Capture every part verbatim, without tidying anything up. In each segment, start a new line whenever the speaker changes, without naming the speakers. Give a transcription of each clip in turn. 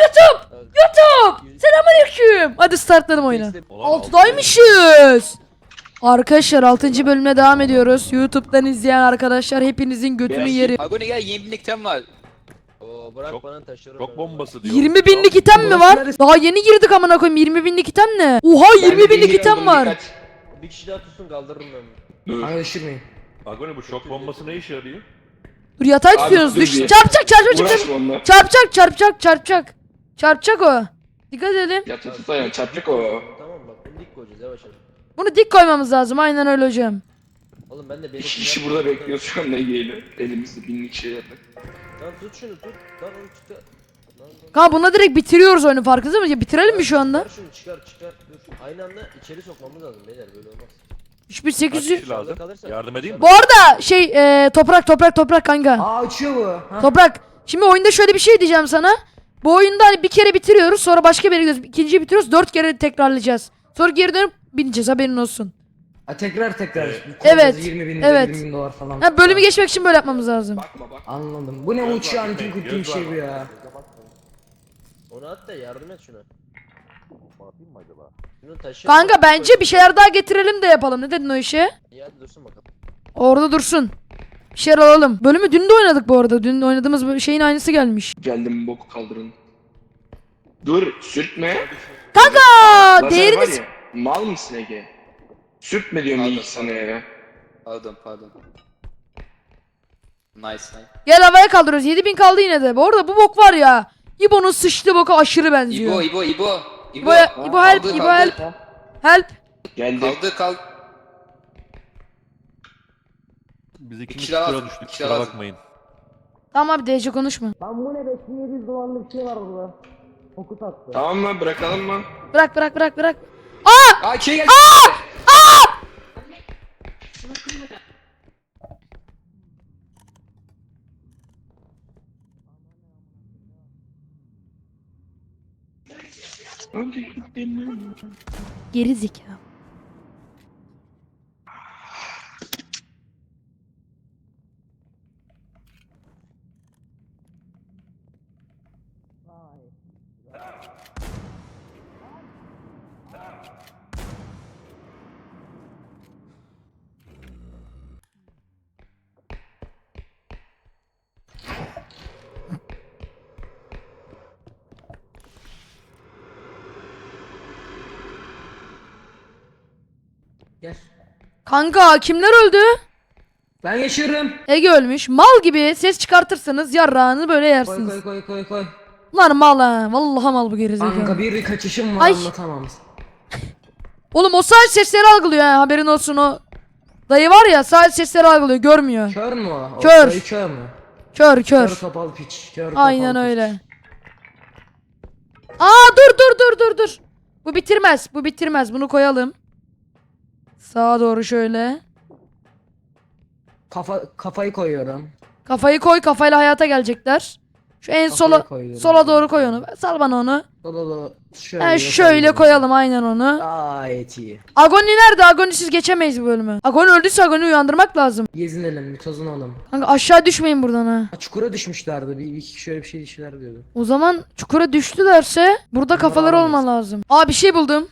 YouTube! YouTube! Selamünaleyküm. Hadi startladım oyunu. altıdaymışız. Arkadaşlar altıncı bölümüne devam ediyoruz. YouTube'dan izleyen arkadaşlar hepinizin götünü yerim.
Agoni gel, yeni binlik tem var.
Oo bırak
Çok-
bana taşırım.
Çok bombası diyor.
yirmi binlik item mi var? Daha yeni girdik amına koyayım. yirmi binlik item ne? Oha yirmi binlik item var.
Bir kişi daha tutsun kaldırırım ben.
Kanka düşürmeyin.
Agoni bu şok bombası ne işe yarıyor?
Dur yatağa
Abi,
tutuyoruz.
dur
Düş.
bir.
Çarpacak çarpacak.
Uğraşma onunla.
Çarpacak çarpacak çarpacak. Çarpacak o. Dikkat edelim.
Yat yat yat ayağını çarpacak o.
Tamam bak bunu dik koyacağız yavaş yavaş.
Bunu dik koymamız lazım. Aynen öyle hocam.
Oğlum ben de benim...
İki kişi burada bekliyor şu an ne giyelim. Elimizde binlik şeylerle.
Lan tut şunu tut. Lan onu çıkar. Lan lan.
Kanka bununla direkt bitiriyoruz oyunu farkında mısın? Ya bitirelim mi şu anda?
Çıkar şunu çıkar çıkar. Dur. Aynı anda içeri sokmamız lazım beyler böyle olmaz.
üç bin
Kaç
sekiz yüz.
kişi lazım? Yardım edeyim mi?
Bu arada şey e, toprak toprak toprak kanka.
Aa uçuyor bu. Ha.
Toprak. Şimdi oyunda şöyle bir şey diyeceğim sana. Bu oyunda hani bir kere bitiriyoruz sonra başka bir yere gidiyoruz. İkinciyi bitiriyoruz dört kere tekrarlayacağız. Sonra geri dönüp bineceğiz haberin olsun.
Ha, tekrar tekrar.
Evet,
yirmi bin,
evet.
yirmi bin dolar falan.
Ha, bölümü geçmek için böyle yapmamız lazım.
Bakma bak. Anladım. Bu ne uçuyor antin kuttuğum şey bu ya.
Onu at da yardım et şuna. Şunu taşı.
Kanka bence bir şeyler daha getirelim de yapalım. Ne dedin o işe?
İyi hadi dursun bakalım.
Orada dursun. Bir şeyler alalım. Bölümü dün de oynadık bu arada. Dün oynadığımız bu şeyin aynısı gelmiş.
Geldim boku kaldırın. Dur sürtme.
Kanka
Lazer
değerini...
var ya, mal mısın Ege? Sürtme diyorum
Pardon,
ilk sana ya.
Pardon pardon. Nice nice.
Gel havaya kaldırıyoruz. yedi bin kaldı yine de. Bu arada bu bok var ya. İbo'nun sıçtığı boka aşırı benziyor.
İbo İbo İbo.
İbo, İbo help,
Kaldı,
İbo
kaldı.
help. Help.
Geldi.
Kaldı kaldı.
Biz ikimiz
kişi daha
tura
lazım,
düştük
kişi
kusura
lazım.
bakmayın.
Tamam abi D C konuşma.
Tamam mı bırakalım mı?
Bırak bırak bırak bırak.
Aa şey geldi.
Geri zeka.
Gel.
Kanka kimler öldü?
Ben yaşıyorum.
Ege ölmüş. Mal gibi ses çıkartırsanız yarrağını böyle
Koy
yersiniz.
koy koy koy koy.
Lan mal ha. Vallahi mal bu gerizekalı.
Kanka bir kaçışım var
Ay.
anlatamam.
Oğlum o sadece sesleri algılıyor ha haberin olsun o. Dayı var ya sadece sesleri algılıyor görmüyor.
Kör mü o? O
Kör.
dayı kör mü?
Kör
Kör
kör.
topal piç. Kör topal
Aynen
piç.
öyle. Aa dur dur dur dur dur. Bu bitirmez. Bu bitirmez. Bunu koyalım. Sağa doğru şöyle.
Kafa, kafayı koyuyorum.
Kafayı koy kafayla hayata gelecekler. Şu en
Kafayı
sola
koyuyorum.
sola doğru koy onu. Sal bana onu.
Dola dola. Şöyle,
Ha, şöyle koyalım aynen onu.
Gayet iyi.
Agoni nerede? Agoni'siz geçemeyiz bu bölümü. Agoni öldüyse Agoni'yi uyandırmak lazım.
Gezinelim bir tozunalım.
Kanka aşağı düşmeyin buradan ha.
Ha, çukura düşmüşlerdi. Bir iki şöyle bir şey işler diyordu.
O zaman çukura düştülerse burada kafaları
alamayız.
olma lazım. Aa bir şey buldum.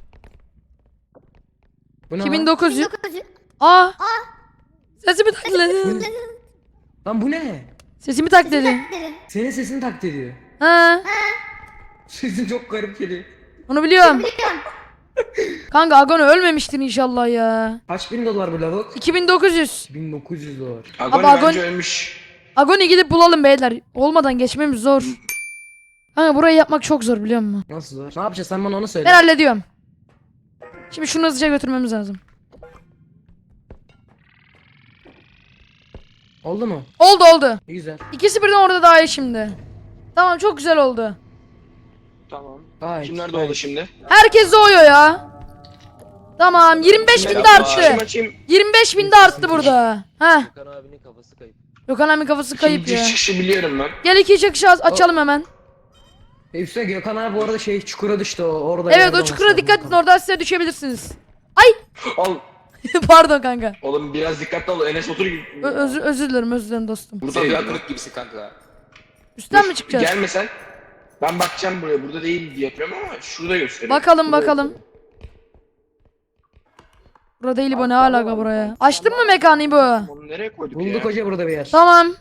Bu ne
iki bin
lan?
dokuz yüz. Aa. Sesimi takledi.
Lan bu ne?
Sesimi takledi.
Senin sesini taklit ediyor.
Ha.
Sesin çok garip geliyor.
Onu biliyorum. Kanka Agoni ölmemiştir inşallah ya.
Kaç bin dolar bu lavuk?
iki bin dokuz yüz.
bin dokuz yüz dolar.
Agoni Abi, bence Agoni-
ölmüş.
Agoni gidip bulalım beyler. Olmadan geçmemiz zor. Kanka burayı yapmak çok zor biliyor musun?
Nasıl zor? Ne yapacağız sen bana onu söyle.
Ben hallediyorum. Şimdi şunu hızlıca götürmemiz lazım.
Oldu mu?
Oldu oldu.
İyi güzel.
İkisi birden orada daha iyi şimdi. Tamam çok güzel oldu.
Tamam. Gayet.
Kim nerede oldu şimdi?
Herkes doğuyor ya. Tamam yirmi beş bin de arttı.
Açayım açayım.
yirmi beş bin de arttı burada. Heh.
Gökhan abinin kafası kayıp.
Gökhan abi kafası kayıp
Şimdi
ya.
çıkışı biliyorum ben.
Gel iki çıkış aç- açalım hemen.
E üstüne Gökhan abi bu arada şey çukura düştü o orada.
Evet
yerde
o
olması
çukura
lazım
dikkat edin
Gökhan.
oradan size düşebilirsiniz.
Al.
Pardon kanka.
Oğlum biraz dikkatli ol. Enes otur gibi.
Ö- özür, özür dilerim özür dilerim dostum.
Burada
Sevda
bir
kırık gibisin kanka.
Üstten mi çıkacağız?
Gelme sen. Ben bakacağım buraya. Burada değil diye yapıyorum ama şurada gösteriyor.
Bakalım bakalım. Burada değil bu, ne alaka buraya? Açtın mı mekanı bu?
Onu nereye koyduk
Bulduk
ya?
hoca burada bir yer.
Tamam.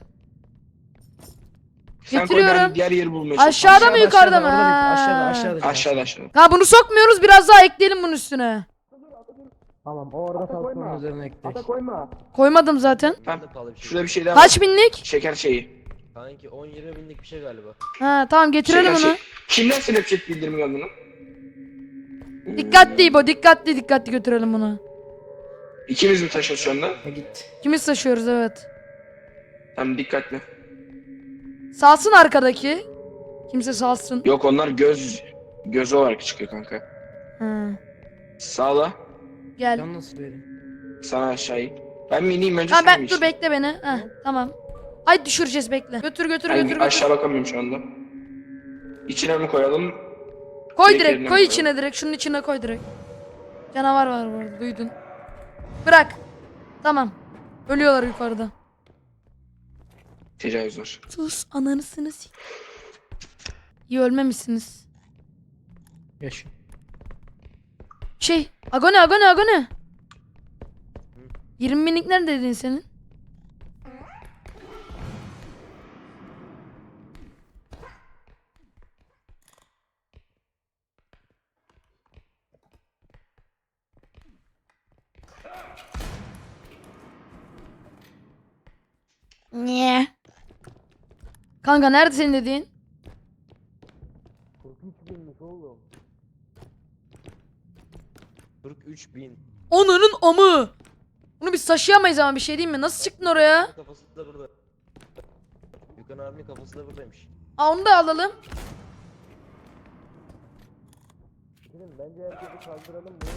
Sen koy, ben
Getiriyorum.
diğer yeri bulmaya
Aşağıda
çalışıyorum.
mı yukarıda mı?
orada bir- Aşağıda
Ha.
aşağıda.
Aşağıda aşağıda.
Ha bunu sokmuyoruz, biraz daha ekleyelim bunun üstüne.
Tamam o orada kalsın onun üzerine ekle.
Koymadım zaten.
Tamam.
Nerede pahalı bir şey?
Şurada bir şey daha var.
Kaç binlik?
Şeker şeyi.
Kanki on yirmi binlik bir şey galiba.
Ha tamam, getirelim
Şeker
onu.
şey. Kimden Snapchat bildirimi geldi lan?
Dikkatli İbo, dikkatli dikkatli götürelim bunu.
İkimiz mi taşıyoruz şu anda?
Ha, git.
Kimiz taşıyoruz, evet.
Tamam dikkatli.
Salsın arkadaki. Kimse salsın.
Yok onlar göz göz olarak çıkıyor kanka.
Ha.
Sağla.
Gel.
Can nasıl vereyim?
Sana aşağıyı. Ben mi ineyim önce
Ha
sen
ben
mi
dur,
işte?
bekle beni. Ha tamam. Ay düşüreceğiz, bekle. Götür götür
Ben
götür götür.
aşağı bakamıyorum şu anda. İçine mi koyalım?
Koy
direkt
direkt,
yerine
koy
mi
içine direkt. Şunun içine koy direkt. Canavar var burada, duydun. Bırak. Tamam. Ölüyorlar yukarıda.
Tecavüz var.
Sus, ananısınız. İyi ölmemişsiniz.
Yaşa.
Şey, Agone Agone Agone. yirmi binlik nerede dedin senin? Niye? Kanka nerede senin dediğin?
kırk üç bin.
Onunun amı. Bunu biz taşıyamayız ama, bir şey diyeyim mi? Nasıl çıktın oraya?
Kafası da burada. Gökhan abinin kafası da buradaymış.
Aa, onu da alalım.
Dedim bence herkesi kaldıralım mı?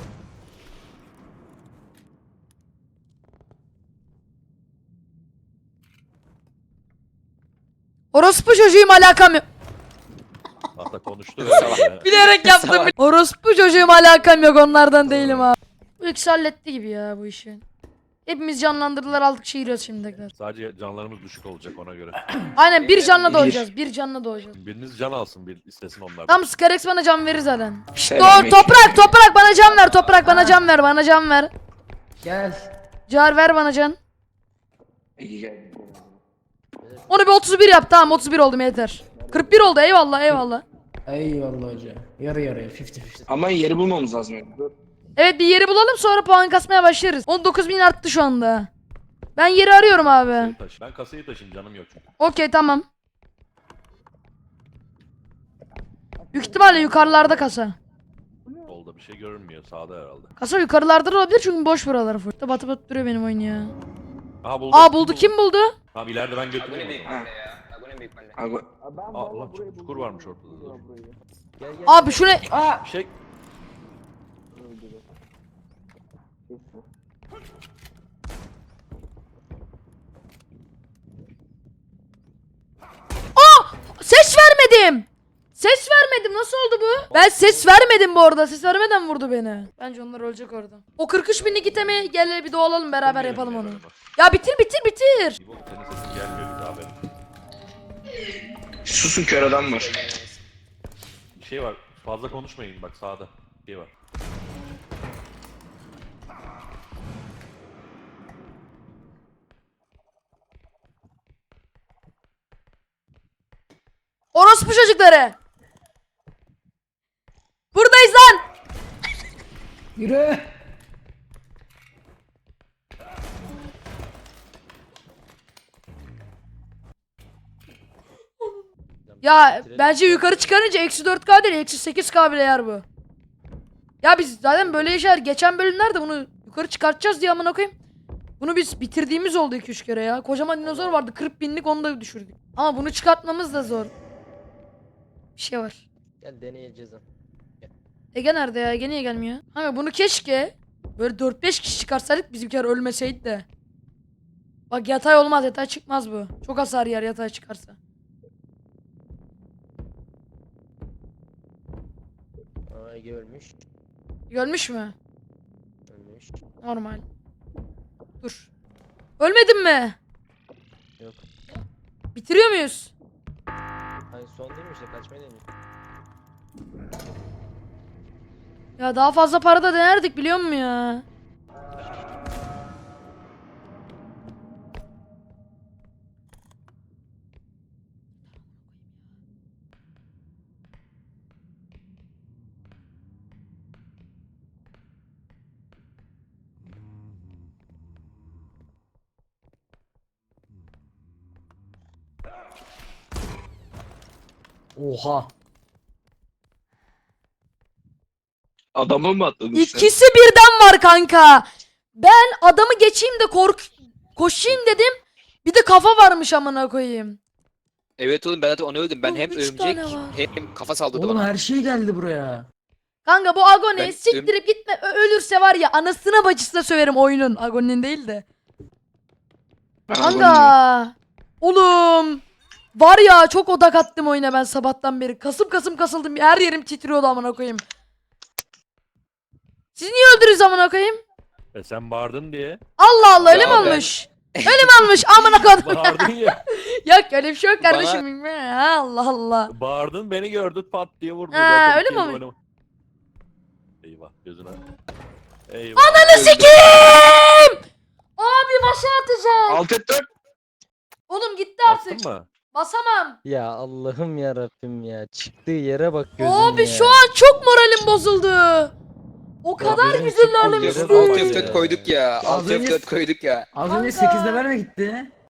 Orospu çocuğum, alakam yok.
Hatta konuştu öyle.
Bilerek yaptım. Orospu çocuğum, alakam yok, onlardan değilim abi. Bu ikisi halletti gibi ya bu işi. Hepimiz canlandırdılar, aldık şehiriyoruz şimdi tekrar.
Sadece canlarımız düşük olacak ona göre.
Aynen, bir canla
Bir.
doğacağız. Bir canla doğacağız.
Biriniz can alsın, bir istesin onlardan.
Tam Skarex bana can verir zaten.
Sen
Doğru,
mi?
toprak toprak bana can ver, toprak bana can ver, bana can ver.
Gel.
Car ver bana can.
İyi gel.
Onu bir otuz bir yap, tamam otuz bir oldum yeter. kırk bir oldu, eyvallah eyvallah.
Eyvallah hoca. Yarı yarıya elli elli.
Ama yeri bulmamız lazım. Yani. Dur.
Evet, bir yeri bulalım, sonra puan kasmaya başlarız. on dokuz bin arttı şu anda. Ben yeri arıyorum abi.
Kasayı taşı. Ben kasayı taşıyayım, canım yok çünkü.
Okey tamam. Büyük ihtimalle yukarılarda kasa.
Solda bir şey görünmüyor, sağda herhalde.
Kasa yukarılarda da olabilir çünkü boş buraları full. İşte batı batı duruyor benim oyun ya.
Aha buldu.
Aa buldu, kim buldu?
Tamam ileride ben
Agone
götüreyim o
büyük
zaman.
mahalle ya. Agone büyük mahalle.
Abi,
Aa ulan çukur, çukur varmış ortada. Dur.
Gel gel.
Abi şu ne?
Bir şey...
Ses vermedim. Ses vermedim. Nasıl oldu bu? Ben ses vermedim bu arada. Ses vermeden vurdu beni. Bence onlar ölecek orada. O kırk üç binlik itemi gel bir doğalalım, beraber yapalım onu. Ya bitir bitir bitir.
İbo senin sesin gelmiyor bir daha benim.
susun kör adam var.
Bir şey var, fazla konuşmayın bak sağda. Bir şey var.
Orospu çocukları. Buradayız lan.
Yürü.
Ya bence yukarı çıkarınca eksi dört K değil, eksi sekiz K bile yer bu. Ya biz zaten böyle yaşar. Geçen bölümlerde bunu yukarı çıkartacağız diye amına koyayım. Bunu biz bitirdiğimiz oldu iki üç kere ya. Kocaman dinozor vardı, kırk binlik, onu da düşürdük. Ama bunu çıkartmamız da zor. Bir şey var.
Gel deneyeceğiz ha.
Ege nerede ya? Ege niye gelmiyor? Kanka bunu keşke böyle dört beş kişi çıkarsaydık, bizimkiler ölmeseydi de. Bak yatay olmaz, yatay çıkmaz bu. Çok hasar yer yatay çıkarsa.
Aa Ege ölmüş.
Ölmüş mü?
Ölmüş.
Normal. Dur. Ölmedin mi?
Yok.
Bitiriyor muyuz?
Hani son değil mi işte kaçmayı deniyor.
Ya daha fazla para da denerdik biliyor musun ya?
Oha.
Adamı mı atladın sen?
İkisi birden var kanka. Ben adamı geçeyim de kork koşayım dedim. Bir de kafa varmış amına koyayım.
Evet oğlum ben zaten onu öldüm. Ben
Oğlum,
hem
üç
örümcek
tane var.
hem kafa saldırdı
Oğlum
bana.
her şey geldi buraya.
Kanka bu Agoni
Ben-
siktirip gitme Ö- ölürse var ya anasına bacısına söverim oyunun. Agoni'nin değil de. Kanka. Oğlum. Var ya çok odak attım oyuna ben sabahtan beri. Kasım kasım kasıldım. Her yerim titriyordu amına koyayım. Siz niye öldürürüz amına koyayım?
E sen bağırdın diye.
Allah Allah öyle
Ya
mi
ben-
olmuş? Öyle mi olmuş amına koydum.
Bağırdın ya.
Yok öyle bir şey yok
Bana-
kardeşim. Ha, Allah Allah.
Bağırdın beni gördü pat diye vurdu.
Ha,
Zaten
öyle
kim
mi olmuş?
oynama- Eyvah gözüne. Eyvah.
Ananı sikeyim! Abi başa atacağım.
Alt et dört.
Oğlum gitti artık.
Attın mı?
Basamam.
Ya Allah'ım ya Rabbim ya. Çıktığı yere bak gözüm
Abi
ya.
şu an çok moralim bozuldu. O kadar
benim
güzel
çok
ilerlemişti.
moralim
Alt
bozuldu
F dört
ya.
koyduk ya.
Az
Alt
önce-
F dört koyduk ya.
Az önce
Kanka.
sekiz level mi gitti?